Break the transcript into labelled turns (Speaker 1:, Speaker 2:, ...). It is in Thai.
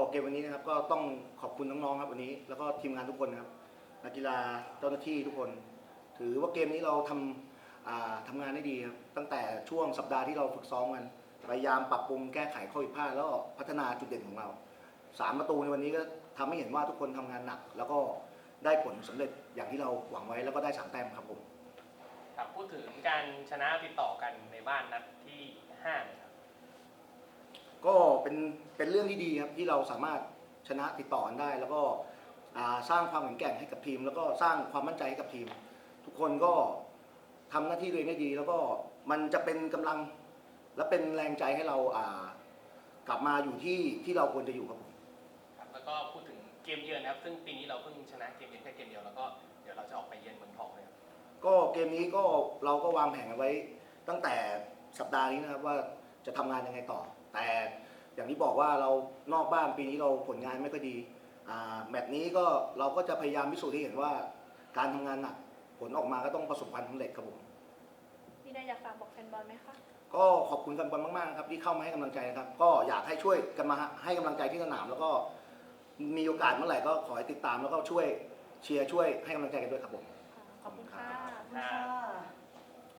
Speaker 1: เกมวันนี้นะครับก็ต้องขอบคุณน้องๆครับวันนี้แล้วก็ทีมงานทุกคนนะครับนักกีฬาเจ้าหน้าที่ทุกคน ถือว่าเกมนี้เราทำงานได้ดีครับตั้งแต่ช่วงสัปดาห์ที่เราฝึกซ้อมกันพยายามปรับปรุงแก้ไขข้อผิดพลาดแล้วก็พัฒนาจุดเด่นของเรา3 ประตูในวันนี้ก็ทำให้เห็นว่าทุกคนทำงานหนัก แล้วก็ได้ผลสำเร็จอย่างที่เราหวังไว้แล้วก็ได้3 แต้มครับผม
Speaker 2: ครับพูดถึงการชนะติดต่อกันในบ้านนัดที่5เนี่ยครับ
Speaker 1: ก็เป็นเรื่องที่ดีครับที่เราสามารถชนะติดต่อกันได้ แล้วก็สร้างความแข็งแกร่งให้กับทีม แล้วก็สร้างความมั่นใจให้กับทีม ทุกคนก็ทำหน้าที่ตัวเองได้ดี แล้วก็มันจะเป็นกำลังและเป็นแรงใจให้เรากลับมาอยู่ที่เราควรจะอยู่ครับผม
Speaker 2: ครับแล้วก็พูดถึงเกมเยือนนะครับซึ่งปีนี้เราเพิ่งชนะเกมเยือนแค่เกมเดียวแล้วก็เดี๋ยวเราจะออกไปเยือนเมืองทองเลยครับ
Speaker 1: ก็เกมนี้ก็เราก็วางแผนเอาไว้ตั้งแต่สัปดาห์นี้นะครับว่าจะทำงานยังไงต่อ แต่อย่างที่บอกว่าเรานอกบ้านปีนี้เราผลงานไม่ค่อยดีแมตช์นี้ก็เราก็จะพยายามพิสูจน์ให้เห็นว่าการทำงานหนักผลออกมาก็ต้องประสบความสำเร็จครับผม
Speaker 3: มีอะไรอยากฝากบอกแฟนบอลไหมคะ
Speaker 1: ก็ขอบคุณแฟนบอลมากๆนะครับที่เข้ามาให้กำลังใจนะครับก็อยากให้ช่วยกันมาให้กำลังใจที่สนามแล้วก็มีโอกาสเมื่อไหร่ก็ขอให้ติดตามแล้วก็ช่วยเชียร์ช่วยให้กำลังใจกันด้วยครับผม
Speaker 3: ขอบคุณค่ะ
Speaker 2: ค่ะ